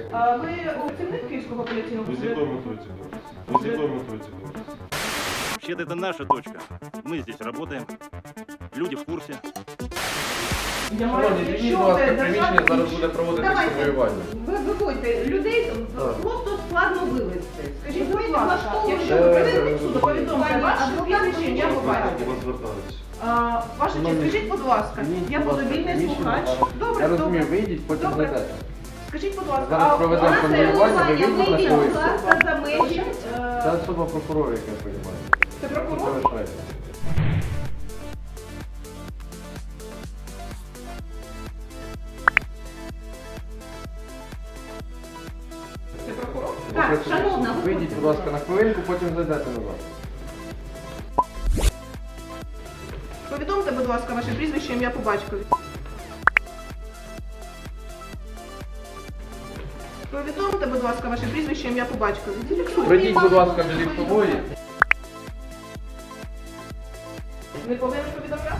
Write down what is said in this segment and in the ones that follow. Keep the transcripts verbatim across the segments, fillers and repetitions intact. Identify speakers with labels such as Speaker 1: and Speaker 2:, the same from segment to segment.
Speaker 1: А ви працівник Київського апеляційного
Speaker 2: Вы с
Speaker 1: суду?
Speaker 2: якою метою це робите? Ви з якою метою це робите?
Speaker 3: Вообще-то это наша точка. Мы здесь работаем. Люди в курсе.
Speaker 1: Я маю,
Speaker 4: Шановні, звільніть,
Speaker 1: якщо
Speaker 4: будь ласка,
Speaker 1: ви
Speaker 4: приміщення
Speaker 1: державний-
Speaker 4: зараз буде проводитися
Speaker 5: Давайте.
Speaker 4: воювання.
Speaker 5: Ви виводьте людей,
Speaker 4: Так.
Speaker 5: просто складно вивезти.
Speaker 1: Скажіть,
Speaker 5: Ви
Speaker 1: будь ласка,
Speaker 5: влаштовуєте-
Speaker 1: якщо ви працівник суду, повідомте
Speaker 5: Пані
Speaker 1: ваше
Speaker 5: адвокат,
Speaker 1: прізвище, ім'я, по батькові.
Speaker 2: До вас звертаються.
Speaker 1: А, Ваша честь, скажіть, будь ласка,
Speaker 4: Звільніть,
Speaker 1: я
Speaker 4: будь
Speaker 1: буду
Speaker 4: ласка,
Speaker 1: вільний
Speaker 4: приміщення
Speaker 1: слухач.
Speaker 4: зараз.
Speaker 1: Добре,
Speaker 4: Я розумію,
Speaker 1: добре.
Speaker 4: вийдіть, потім
Speaker 1: Добре.
Speaker 4: зайдете.
Speaker 1: Скажіть, будь ласка,
Speaker 4: Зараз
Speaker 1: а
Speaker 4: проведемо
Speaker 1: у нас
Speaker 4: конвоювання, ви
Speaker 5: Вийдіть,
Speaker 4: вийдіть на
Speaker 5: будь
Speaker 4: хвилину.
Speaker 5: ласка, за межі.
Speaker 1: е,
Speaker 4: Це особа прокурора, як я розумію.
Speaker 1: Це прокурор?
Speaker 4: Залишайте.
Speaker 1: Це прокурор?
Speaker 5: Так,
Speaker 4: Ви
Speaker 5: шановна, ви
Speaker 4: Вийдіть, будь ласка, на хвилинку, потім зайдете назад.
Speaker 1: Повідомте, будь ласка, ваше прізвище, ім'я, по батькові. Повідомте, будь ласка, ваше прізвище, ім'я, по батькові. Зафіксуйте.
Speaker 4: Прийдіть, будь ласка, до ліфтової.
Speaker 1: Не повинен повідомляти?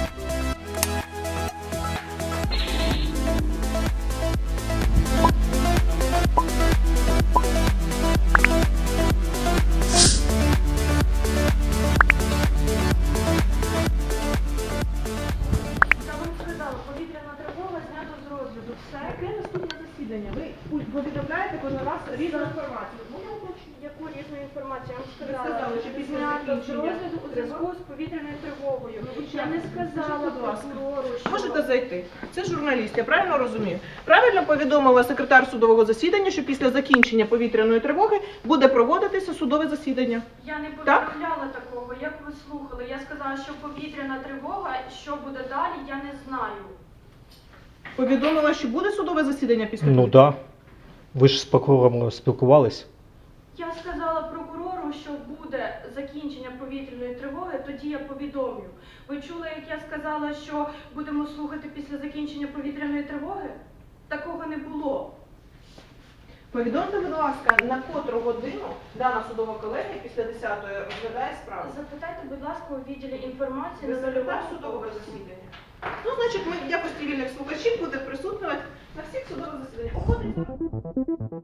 Speaker 6: Я вам сказала, повітряна тривога знято з розгляду. Все.
Speaker 1: Яке наступне засідання? Ви повідомляєте кожен раз різну інформацію. Моє уточнення.
Speaker 6: Яку різну інформацію я вам
Speaker 1: Ви
Speaker 6: сказала?
Speaker 1: сказали, що після
Speaker 6: Знято з
Speaker 1: закінчення
Speaker 6: розгляду у зв'язку з повітряною тривогою. Я не сказала
Speaker 1: Будь ласка.
Speaker 6: прокурору, що...
Speaker 1: Можете зайти. Це журналіст, я правильно розумію? Правильно повідомила секретар судового засідання, що після закінчення повітряної тривоги буде проводитися судове засідання.
Speaker 6: Я не
Speaker 1: Так?
Speaker 6: повідомляла такого, як ви слухали. Я сказала, що повітряна тривога, що буде далі, я не знаю.
Speaker 1: Повідомила, що буде судове засідання після
Speaker 7: Ну
Speaker 1: того?
Speaker 7: так. Да. Ви ж з прокурором спілкувались.
Speaker 6: Я сказала прокурору, що буде закінчення повітряної тривоги, тоді я повідомлю. Ви чули, як я сказала, що будемо слухати після закінчення повітряної тривоги? Такого не було.
Speaker 1: Повідомте, будь ласка, на котру годину дана судова колегія після десятої розглядає справу?
Speaker 6: Запитайте, будь ласка, у відділі інформації
Speaker 1: Ви
Speaker 6: на
Speaker 1: секретар
Speaker 6: нульовому
Speaker 1: судового
Speaker 6: поверсі.
Speaker 1: засідання? Ну, значить, ми в якості вільних слухачів буде присутнювати на всіх судових засіданнях. Погодиться?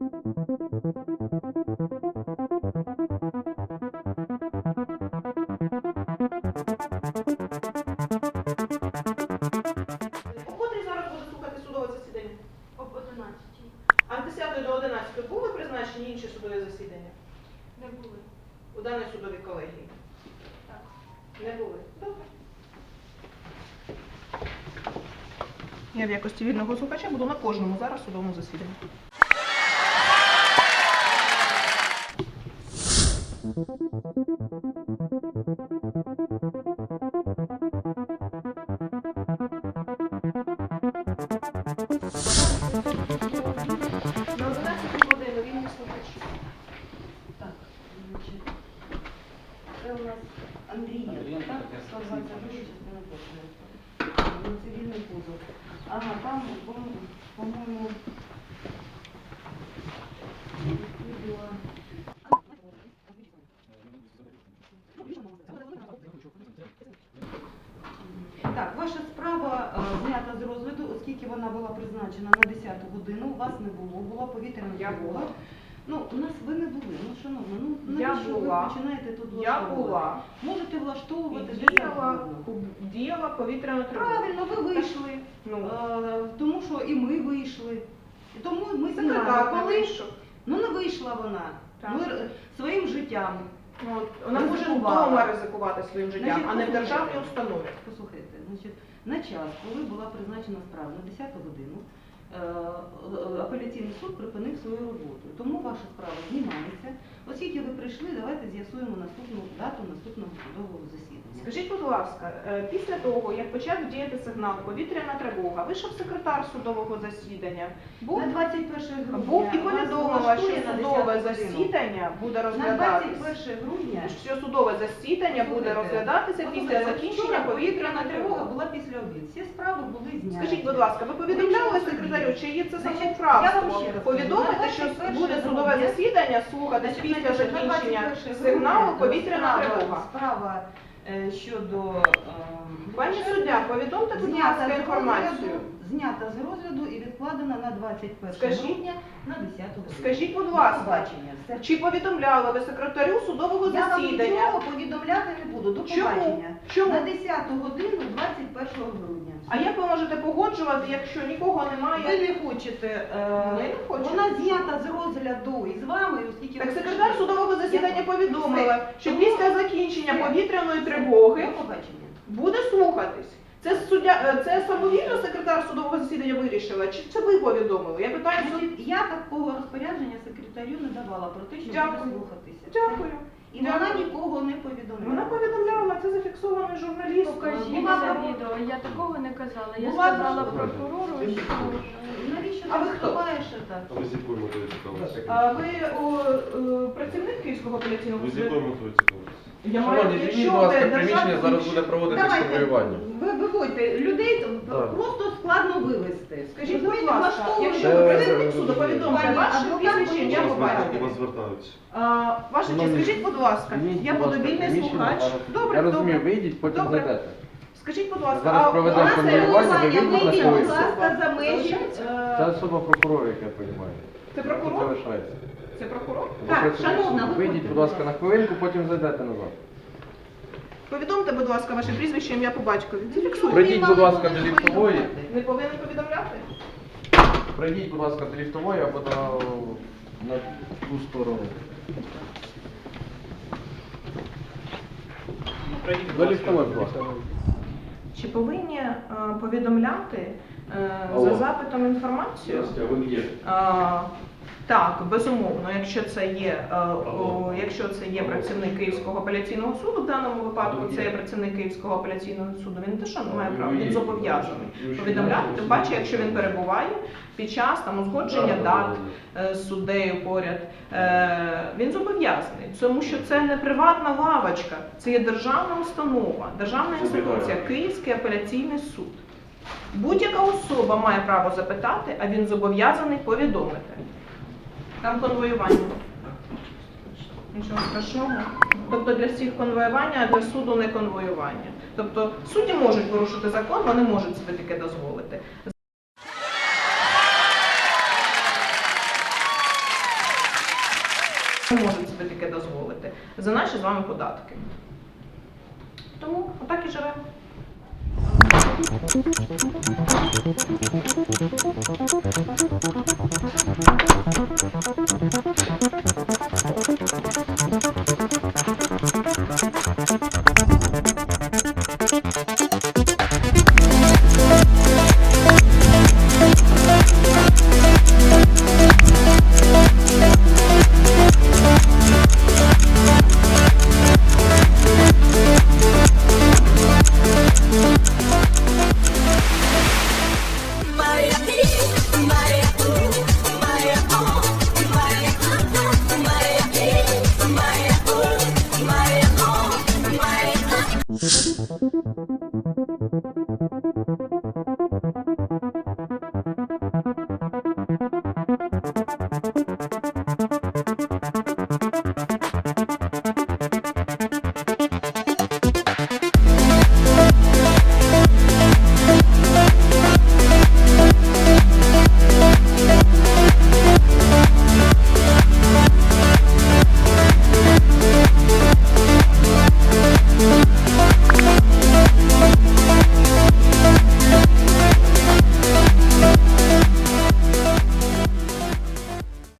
Speaker 1: У котрій зараз буде слухати судове засідання?
Speaker 6: Об одинадцятій.
Speaker 1: А з десятої до одинадцятої були призначені інші судові засідання
Speaker 6: Не були.
Speaker 1: у даній судовій колегії?
Speaker 6: Так.
Speaker 1: Не були. Добре. Я в якості вільного слухача буду на кожному зараз судовому засіданні. На одинадцяту годину вільний слухач.
Speaker 5: Так, значить, це у нас Андрієнко, так? сто двадцять два частина перша. Ну, цивільний позов. Ага, там, по- по-моєму, відповіла. Так, ваша справа е, знята з розгляду, оскільки вона була призначена на десяту годину, у вас не було, була повітряна
Speaker 1: Я
Speaker 5: тривога.
Speaker 1: була.
Speaker 5: Ну, у нас ви не були, ну, шановна, ну,
Speaker 1: Я
Speaker 5: навіщо
Speaker 1: була.
Speaker 5: ви починаєте тут
Speaker 1: Я
Speaker 5: влаштовувати?
Speaker 1: була.
Speaker 5: Можете влаштовувати
Speaker 1: І
Speaker 5: де
Speaker 1: діяла,
Speaker 5: завгодно.
Speaker 1: діяла повітряна тривога.
Speaker 5: Правильно, ви вийшли,
Speaker 1: Ну,
Speaker 5: е, тому що і ми вийшли. І тому ми
Speaker 1: секретар
Speaker 5: знаємо.
Speaker 1: не вийшов.
Speaker 5: Ну не вийшла вона.
Speaker 1: Так.
Speaker 5: Ми р- своїм життям.
Speaker 1: Ну, от вона може
Speaker 5: Ризикувала.
Speaker 1: вдома ризикувати своїм життям,
Speaker 5: Значить,
Speaker 1: а не в
Speaker 5: послухайте.
Speaker 1: державній установі.
Speaker 5: Послухайте, значить, на час, коли була призначена справа на десяту годину, е, апеляційний суд припинив свою роботу. Тому ваша справа знімається. Оскільки ви прийшли, давайте з'ясуємо наступну дату наступного судового засідання.
Speaker 1: Скажіть, будь ласка, е, після того, як почав діяти сигнал повітряна тривога, вийшов секретар судового засідання, був,
Speaker 5: На двадцять перше грудня
Speaker 1: був і
Speaker 5: вас
Speaker 1: повідомила,
Speaker 5: влаштує
Speaker 1: що
Speaker 5: на
Speaker 1: судове
Speaker 5: десяту годину.
Speaker 1: засідання буде
Speaker 5: На
Speaker 1: розглядатися.
Speaker 5: двадцять перше грудня
Speaker 1: Що судове засідання буде
Speaker 5: Слухайте,
Speaker 1: розглядатися
Speaker 5: послухайте,
Speaker 1: після закінчення
Speaker 5: вчора
Speaker 1: повітряна тривога.
Speaker 5: була після обід. Всі справи були зняті.
Speaker 1: Скажіть, будь ласка, ви повідомляли
Speaker 5: Ви
Speaker 1: секретарю, чи є це
Speaker 5: Значить, я вам
Speaker 1: самоуправство?
Speaker 5: ще раз
Speaker 1: Повідомити,
Speaker 5: кажу,
Speaker 1: що
Speaker 5: на двадцять
Speaker 1: буде
Speaker 5: перше
Speaker 1: судове
Speaker 5: грудня,
Speaker 1: засідання слухатись
Speaker 5: Значить,
Speaker 1: після
Speaker 5: на
Speaker 1: закінчення
Speaker 5: двадцять перше
Speaker 1: сигналу
Speaker 5: грудня
Speaker 1: повітряна
Speaker 5: справа-
Speaker 1: тривога.
Speaker 5: Справа е, щодо ем,
Speaker 1: Пані суддя, повідомте, будь
Speaker 5: Знята
Speaker 1: ласка,
Speaker 5: з
Speaker 1: інформацію.
Speaker 5: розгляду, знята з розгляду і відкладена на двадцять перше
Speaker 1: Скажіть.
Speaker 5: грудня на десяту годину.
Speaker 1: Скажіть, будь
Speaker 5: До
Speaker 1: ласка,
Speaker 5: побачення. Все.
Speaker 1: чи повідомляли ви секретарю судового
Speaker 5: Я вам
Speaker 1: засідання?
Speaker 5: нічого повідомляти не буду. До
Speaker 1: Чому?
Speaker 5: побачення.
Speaker 1: Чому?
Speaker 5: На десяту годину двадцять першого грудня.
Speaker 1: А як ви можете погоджувати, якщо нікого
Speaker 5: Ви
Speaker 1: немає?
Speaker 5: не хочете, е,
Speaker 1: Ми не хочемо.
Speaker 5: вона знята з розгляду і з вами, оскільки
Speaker 1: Так
Speaker 5: ви
Speaker 1: секретар
Speaker 5: прийшли.
Speaker 1: судового засідання
Speaker 5: Я-
Speaker 1: повідомила,
Speaker 5: Все.
Speaker 1: що
Speaker 5: Тому-
Speaker 1: після закінчення
Speaker 5: Все.
Speaker 1: повітряної тривоги
Speaker 5: До побачення.
Speaker 1: буде слухатись. Це суддя, е, це самовільно секретар судового засідання вирішила, чи це ви повідомили? Я питаю суд.
Speaker 5: Значить, я такого розпорядження секретарю не давала про те, що
Speaker 1: Дякую.
Speaker 5: буде слухатися.
Speaker 1: Дякую.
Speaker 5: І вона
Speaker 1: Дякую.
Speaker 5: нікого не повідомляла.
Speaker 1: Вона повідомляла, це зафіксований журналіст.
Speaker 6: Покажіть
Speaker 5: Була
Speaker 6: це
Speaker 5: прав-
Speaker 6: відео. Я такого не казала. Я
Speaker 5: Була
Speaker 6: сказала
Speaker 5: прав-
Speaker 6: прокурору, що
Speaker 5: Навіщо
Speaker 1: А
Speaker 5: ти
Speaker 1: ви хто?
Speaker 5: вступаєш так?
Speaker 2: А ви з якою метою цікавитися?
Speaker 1: А ви о, е, працівник Київського апеляційного
Speaker 2: Ви з
Speaker 1: суду?
Speaker 2: якою метою цікавитися?
Speaker 1: Я маю,
Speaker 4: Шановні, звільніть,
Speaker 1: якщо
Speaker 4: будь ласка,
Speaker 1: ви
Speaker 4: приміщення,
Speaker 1: державний-
Speaker 4: зараз буде проводитись
Speaker 5: Давайте,
Speaker 4: конвоювання.
Speaker 5: ви виводьте людей,
Speaker 4: Так.
Speaker 5: просто складно вивезти.
Speaker 1: Скажіть, будь
Speaker 5: Розумієте,
Speaker 1: ласка,
Speaker 5: влаштовують-
Speaker 1: якщо
Speaker 4: Це-
Speaker 1: ви працівник суду, повідомте
Speaker 5: Пані
Speaker 1: ваше
Speaker 5: адвокат,
Speaker 1: прізвище, ім'я
Speaker 5: ви
Speaker 1: по
Speaker 2: До вас
Speaker 1: батькові.
Speaker 2: звертаються.
Speaker 1: А, Ваша честь,
Speaker 4: Шановні,
Speaker 1: скажіть, будь ласка,
Speaker 4: звільніть,
Speaker 1: я
Speaker 4: будь
Speaker 1: буду
Speaker 4: ласка,
Speaker 1: вільний
Speaker 4: приміщення,
Speaker 1: слухач.
Speaker 4: зараз-
Speaker 1: Добре,
Speaker 4: Я розумію,
Speaker 1: добре.
Speaker 4: вийдіть, потім
Speaker 1: Добре.
Speaker 4: зайдете.
Speaker 1: Скажіть, будь ласка,
Speaker 4: Зараз
Speaker 1: а
Speaker 4: проведемо
Speaker 1: у нас
Speaker 4: конвоювання,
Speaker 1: це-
Speaker 4: ви вийдіть на
Speaker 5: вийдіть,
Speaker 4: хвилину.
Speaker 5: будь ласка, за межі.
Speaker 1: Е,
Speaker 4: Це особа прокурора, як я розумію.
Speaker 1: Це прокурор?
Speaker 4: Залишається.
Speaker 1: Це прокурор?
Speaker 4: Ви
Speaker 5: Так,
Speaker 4: працюєте.
Speaker 5: шановна, виходьте,
Speaker 4: Вийдіть, будь
Speaker 5: будь
Speaker 4: ласка,
Speaker 5: ласка.
Speaker 4: на хвилинку, потім зайдете назад.
Speaker 1: Повідомте, будь ласка, ваше прізвище, ім'я по батькові. Зафіксуйте.
Speaker 4: Прийдіть, будь ласка, до ліфтової.
Speaker 1: Не повинен повідомляти?
Speaker 4: Прийдіть, будь ласка, до ліфтової або на, на ту сторону. До ліфтової, будь ласка.
Speaker 1: Чи повинні е, повідомляти е,
Speaker 2: Алло.
Speaker 1: за запитом інформацію?
Speaker 2: а ви є?
Speaker 1: А, так, безумовно, якщо це є, е, о, якщо це є працівник Київського апеляційного суду, в даному випадку це є працівник Київського апеляційного суду, він не те, що не має права, він зобов'язаний повідомляти, тим паче, якщо він перебуває під час там узгодження дат е, з суддею поряд, е, він зобов'язаний, тому що це не приватна лавочка, це є державна установа, державна інституція, Київський апеляційний суд. Будь-яка особа має право запитати, а він зобов'язаний повідомити. Там конвоювання. Нічого страшного. Тобто для всіх конвоювання, а для суду не конвоювання. Тобто судді можуть порушити закон, вони можуть собі таке дозволити. Вони можуть собі таке дозволити. За наші з вами податки. Тому отак і живемо.